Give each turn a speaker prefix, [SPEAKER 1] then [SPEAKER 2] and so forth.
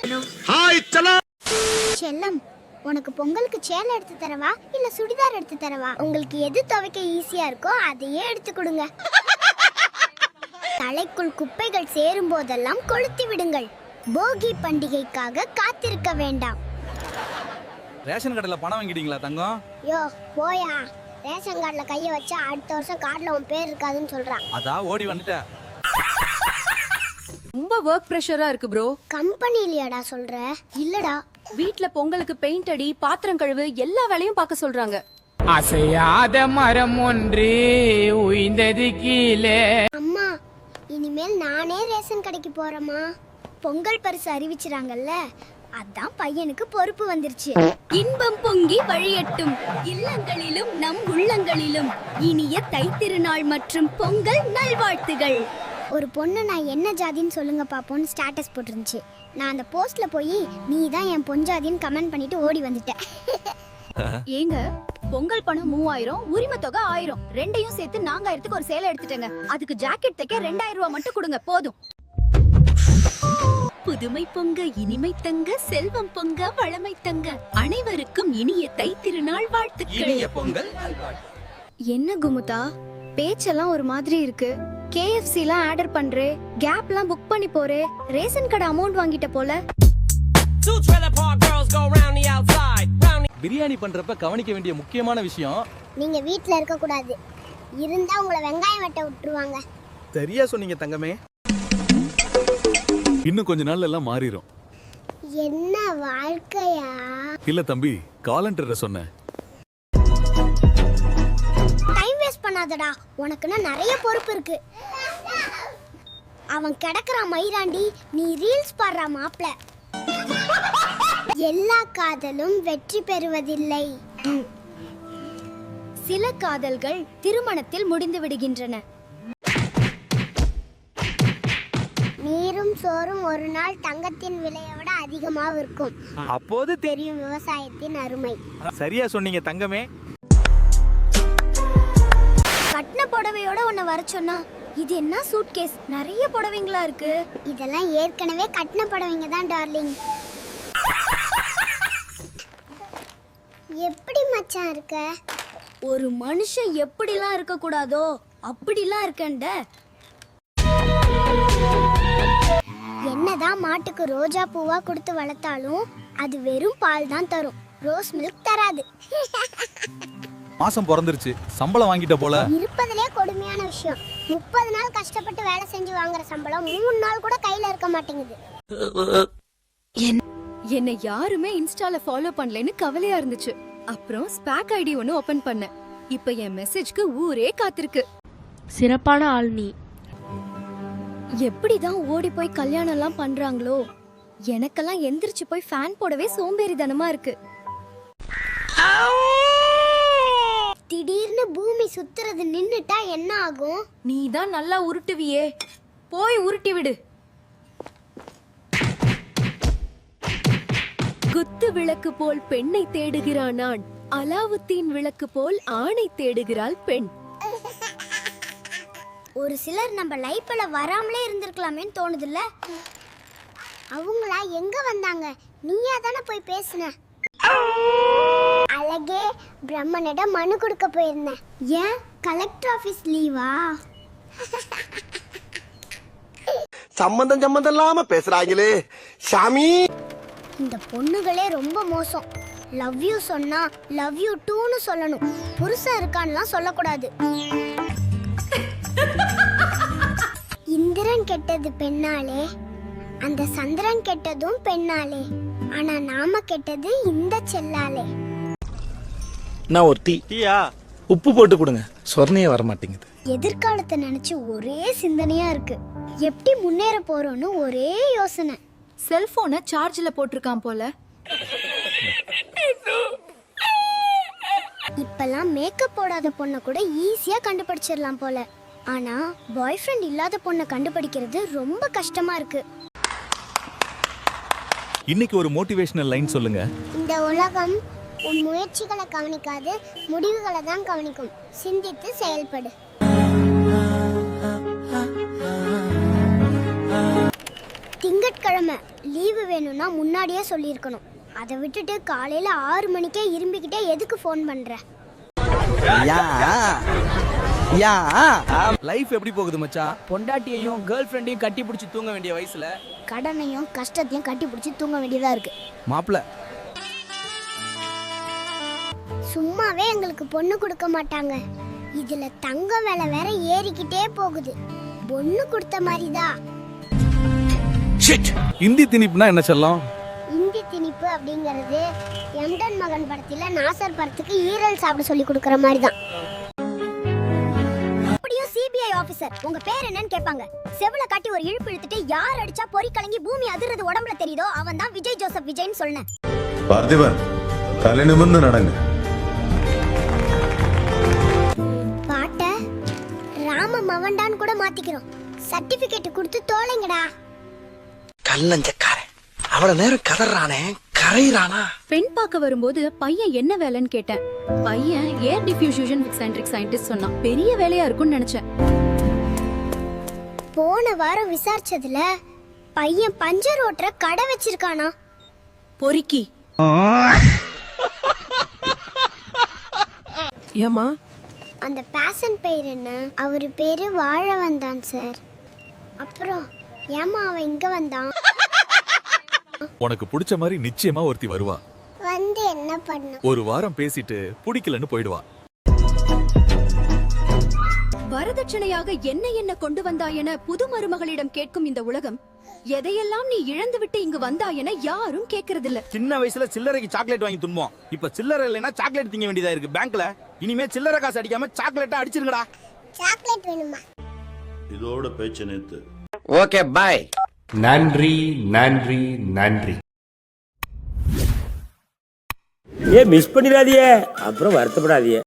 [SPEAKER 1] Hi சலோ
[SPEAKER 2] செல்லம், உனக்கு பொங்கலுக்கு சேலை எடுத்து தரவா இல்ல சுடிதார் எடுத்து தரவா? உங்களுக்கு எது துவைக்க ஈஸியா இருக்கோ அதையே எடுத்து கொடுங்க. தலைக்குள் குப்பைகள் சேரும் போதெல்லாம் கொளுத்தி விடுங்கள். போகி பண்டிகைக்காக காத்திருக்க வேண்டாம்.
[SPEAKER 3] ரேஷன் கடையில பணம் வாங்கிட்டீங்களா தங்கம்?
[SPEAKER 2] யோ போயா, ரேஷன் கார்டுல கைய வச்சா அடுத்த வருஷம் கார்டுல உன் பேர் இருக்காதுன்னு சொல்றான்.
[SPEAKER 3] அதான் ஓடி வந்துட்டேன்.
[SPEAKER 4] ரொம்ப வொர்க் பிரஷரா இருக்கு ப்ரோ.
[SPEAKER 2] கம்பெனிலயாடா சொல்ற? இல்லடா,
[SPEAKER 4] வீட்ல பொங்கலுக்கு பெயிண்ட் அடி, பாத்திரம் கழுவு, எல்லா வேலையும் பார்க்க சொல்றாங்க.
[SPEAKER 5] அசையாத மரம் ஒன்று உயிர்ந்தது கீழே.
[SPEAKER 2] அம்மா இனிமேல் நானே ரேஷன் கடைக்கு போறேம்மா. பொங்கல் பரிசு அறிவிச்சிராங்கல்ல, அதான் பையனுக்கு பொறுப்பு வந்துருச்சு.
[SPEAKER 6] இன்பம் பொங்கி வழியட்டும் இல்லங்களிலும் நம் உள்ளங்களிலும். இனிய தைத்திருநாள் மற்றும் பொங்கல் நல்வாழ்த்துகள்.
[SPEAKER 2] ஒரு பொண்ணு நான் என்ன ஜாதின்னு சொல்லுங்க பாப்போன்னு ஸ்டேட்டஸ் போட்டுருந்துச்சு. நான் அந்த போஸ்ட்ல போய் நீ தான் என் பொஞ்சாதின்னு கமெண்ட் பண்ணிட்டு ஓடி வந்துட்டேன்.
[SPEAKER 6] ஏங்க, பொங்கல் பணம் 3000, உரிமை தொகை 1000, ரெண்டையும் சேர்த்து 4000க்கு ஒரு சேலை எடுத்துட்டேங்க. அதுக்கு ஜாக்கெட் தைக்க 2000 ரூபாய் மட்டும் கொடுங்க, போதும். புதுமை பொங்க இனிமை தங்க, செல்வம் பொங்க வளமை தங்க, அனைவருக்கும் இனிய தைத்திருநாள் வாழ்த்துக்கள்.
[SPEAKER 3] பொங்கல்
[SPEAKER 6] என்ன குமுதா, பேச்செல்லாம் ஒரு மாதிரி இருக்கு. KFCலாம் ஆர்டர் பண்றே, கேப்லாம் புக் பண்ணி போறே, ரேஷன் கடை அமௌண்ட் வாங்கிட்ட போல.
[SPEAKER 3] பிரியாணி பண்றப்ப கவனிக்க வேண்டிய முக்கியமான விஷயம்,
[SPEAKER 2] நீங்க வீட்ல இருக்க கூடாது. இருந்தா உங்களை வெங்காயம் வெட்ட விட்டுருவாங்க.
[SPEAKER 1] சரியா சொன்னீங்க தங்கமே. இன்னும் கொஞ்ச நாள்ல எல்லாம் மாறிடும்.
[SPEAKER 2] என்ன வாழ்க்கையா?
[SPEAKER 1] இல்ல தம்பி, காலண்டர சொன்னேன்.
[SPEAKER 2] டைம் வேஸ்ட் பண்ணாதடா, உனக்குன்னா நிறைய பொறுப்பு இருக்கு. அவன் கிடக்குறான் மயிராண்டி, நீ ரீல்ஸ் பாடுறா மாப்ள. எல்லா காதலும் வெற்றி பெறுவதில்லை.
[SPEAKER 6] சில காதல்கள் திருமணத்தில் முடிந்து விடுகின்றன.
[SPEAKER 2] நீரும் சோறும் ஒரு நாள் தங்கத்தின் விலையை விட அதிகமாக இருக்கும்.
[SPEAKER 1] அப்போது
[SPEAKER 2] தெரியும் விவசாயத்தின் அருமை.
[SPEAKER 1] சரியா சொன்னீங்க தங்கமே.
[SPEAKER 6] கட்டின புடவையோட உன்னை வர சொன்னா, இது என்ன சூட்கேஸ், நிறைய புடவைங்களா இருக்கு.
[SPEAKER 2] இதெல்லாம் ஏற்கனவே கட்டின புடவைங்க தான் டார்லிங். எப்படி மச்சான் இருக்க?
[SPEAKER 6] ஒரு மனுஷன் எப்படிலாம் இருக்க கூடாதோ அப்படிலாம் இருக்கண்ட.
[SPEAKER 2] என்னதான் மாட்டுக்கு ரோஜா பூவா கொடுத்து வளர்த்தாலும் அது வெறும் பால் தான் தரும், ரோஸ் மில்க் தராது.
[SPEAKER 3] மாசம் பிறந்துருச்சு, சம்பளம் வாங்கிட்ட போல.
[SPEAKER 2] இருப்பதிலே கொடுமையான விஷயம், 30 நாள் கஷ்டப்பட்டு வேலை செஞ்சு வாங்குற சம்பளம் 3 நாள் கூட கையில இருக்க மாட்டேங்குது.
[SPEAKER 4] என்னை யாருமே இன்ஸ்டால ஃபாலோ பண்ணலன்னு கவலையா இருந்துச்சு. அப்புறம் ஸ்பாக் ஐடி ஒன்னு ஓபன் பண்ணேன். இப்ப என் மெசேஜ்க்கு ஊரே காத்திருக்கு.
[SPEAKER 7] சிறப்பான ஆள் நீ.
[SPEAKER 6] எப்படிதான் ஓடி போய் கல்யாணம் எல்லாம் பண்றாங்களோ? எனக்கெல்லாம் எந்திரிச்சு போய் ஃபேன் போடவே சோம்பேறித்தனமா இருக்கு.
[SPEAKER 2] திடீர்னு பூமி சுத்துறது நின்னுட்டா என்ன ஆகும்?
[SPEAKER 4] நீ தான் நல்லா உருட்டுவியே, போய் உருட்டி விடு. குத்து விளக்கு போல் பெண்ணை தேடுகிறான் ஆண், அலாவுத்தீன் விளக்கு போல் ஆணை தேடுகிறாள் பெண்.
[SPEAKER 2] ஒரு சிலர் நம்ம லைஃப்ல வராமலே இருந்திருக்கலாமேன்னு தோணுதுல்ல. அவங்களா எங்க வந்தாங்க? நீயா தானே போய் பேசுன. அழகே, பிரம்மனிடம் மனு கொடுக்க போயிருந்தேன். ஏன் கலெக்டர் ஆபீஸ் லீவா?
[SPEAKER 8] சம்பந்தம் இல்லாம பேசுறாங்களே சாமி.
[SPEAKER 2] இந்த பொண்ணுகளே ரொம்ப மோசம். லவ் யூ சொன்னா லவ் யூ டூன்னு சொல்லணும், புருஷன் இருக்கான்லாம் சொல்லக்கூடாது. இந்திரன் கெட்டது பெண்ணாலே, அந்த சந்திரன் கெட்டதும் பெண்ணாலே, ஆனா நாம கெட்டது இந்த செல்லாலே.
[SPEAKER 9] நான் ஒரு டீயா உப்பு போட்டு கொடுங்க, சொர்ணையே வர மாட்டேங்குது.
[SPEAKER 2] எதிர்காலத்தை நினைச்சு ஒரே சிந்தனையா இருக்கு. எப்படி முன்னேற போறோம்னு ஒரே யோசனை.
[SPEAKER 4] செல்போனை சார்ஜ்ல போட்டிருக்கான் போல.
[SPEAKER 2] இப்பெல்லாம் மேக்கப் போடாத பொண்ணை கூட ஈஸியா கண்டுபிடிச்சிடலாம் போல. ஆனா பாய் ஃப்ரெண்ட் இல்லாத பொண்ணை கண்டுபிடிக்கிறது ரொம்ப கஷ்டமா இருக்கு.
[SPEAKER 1] இன்னைக்கு ஒரு மோட்டிவேஷனல் லைன் சொல்லுங்க.
[SPEAKER 2] இந்த உலகம் உன் முயற்சிகளை கவனிக்காது, முடிவுகளை தான் கவனிக்கும். சிந்தித்து செயல்படு. திங்கள் திங்கட்கிழமை லீவு வேணும்னா முன்னாடியே சொல்லியிருக்கணும். அதை விட்டுட்டு காலையில 6 மணிக்கே இரும்பிக்கிட்டே எதுக்கு ஃபோன் பண்ற?
[SPEAKER 3] லைஃப் எப்படி போகுது மச்சான்? பொண்டாட்டியையும் கேர்ள் ஃப்ரெண்டையும் கட்டி பிடிச்சி தூங்க வேண்டிய வயசுல
[SPEAKER 2] கடனையும் கஷ்டத்தையும் கட்டி பிடிச்சி தூங்க வேண்டியதா இருக்கு.
[SPEAKER 3] மாப்பிள்ள
[SPEAKER 2] சும்மாவே எங்களுக்கு பொண்ணு கொடுக்க மாட்டாங்க. இதுல தங்க விலை வேற ஏறிக்கிட்டே போகுது. பொண்ணு கொடுத்த மாதிரிதான்.
[SPEAKER 3] ஹிந்தி திணிப்புனா என்ன செல்லம்?
[SPEAKER 2] இந்தி திணிப்பு அப்படிங்கிறது எம்டன் மகன் படத்துல நாசர் படத்துக்கு ஈரல் சாப்பிட சொல்லி கொடுக்கற மாதிரி தான். அப்படியே சிபிஐ ஆபீசர் உங்க பேர் என்னன்னு கேட்பாங்க. செவுல காட்டி ஒரு இழுப்பு இழுத்துட்டு யார் அடிச்சா பொறி கலங்கி பூமி அதிர்றது உடம்புல தெரியுதோ அவன் தான் விஜய் ஜோசப் விஜய்னு சொன்னேன்.
[SPEAKER 10] பார்த்திபன் தலை நிமிர்ந்து நடங்க.
[SPEAKER 2] பாட்ட ராம மவன்டான்னு கூட மாத்திக்கிறோம். சர்டிபிகேட் கொடுத்து தோலைங்கடா.
[SPEAKER 9] கல்லஞ்சக்காரன் அவ்வளவு நேரம் கதறானே கரையிறானா?
[SPEAKER 4] பெண் பார்க்க வரும்போது பையன் என்ன வேலைன்னு கேட்டேன். பையன் ஏர் டிஃப்யூஷன் சென்ட்ரிக் சயின்டிஸ்ட் சொன்னான். பெரிய வேலையா இருக்கும்னு நினைச்சேன்.
[SPEAKER 2] போன வாரம் விசாரிச்சதுல பையன் பஞ்சர் ஓட்டுற கடை வச்சிருக்கானா.
[SPEAKER 4] பொறுக்கி
[SPEAKER 7] ஏமா
[SPEAKER 2] அந்த பேஷன் பேர் என்ன? அவரு பேரு வாழவன் தான் சார். அப்புறம் ஏமா அவன் இங்க வந்தான்?
[SPEAKER 1] உனக்கு பிடிச்ச மாதிரி நிச்சயமா ஒருத்தி வருவா.
[SPEAKER 2] வந்து என்ன பண்ண?
[SPEAKER 1] ஒரு வாரம் பேசிட்டு பிடிக்கலன்னு போயிடுவா.
[SPEAKER 4] வரதட்சணையாக என்ன என்ன கொண்டு வந்தாய் என புது மருமகளிடம் கேட்கும் இந்த உலகம், எதையெல்லாம் நீ இழந்து விட்டு இங்கு வந்தாய் என யாரும் கேட்கறதில்ல.
[SPEAKER 3] சின்ன வயசுல சில்லறைக்கு சாக்லேட் வாங்கி துன்போம். இப்ப சில்லறை இல்லைன்னா சாக்லேட் திங்க வேண்டியதா இருக்கு பேங்க்ல. இனிமே சில்லறை காசு அடிக்காம சாக்லேட்டா அடிச்சிருங்கடா.
[SPEAKER 2] சாக்லேட் வேணுமா?
[SPEAKER 10] இதோட பேச்சு நேத்து.
[SPEAKER 5] Okay bye.
[SPEAKER 10] நன்றி நன்றி நன்றி.
[SPEAKER 5] மிஸ் பண்ணிடாதீங்க, அப்புறம் வருத்தப்படாதீங்க.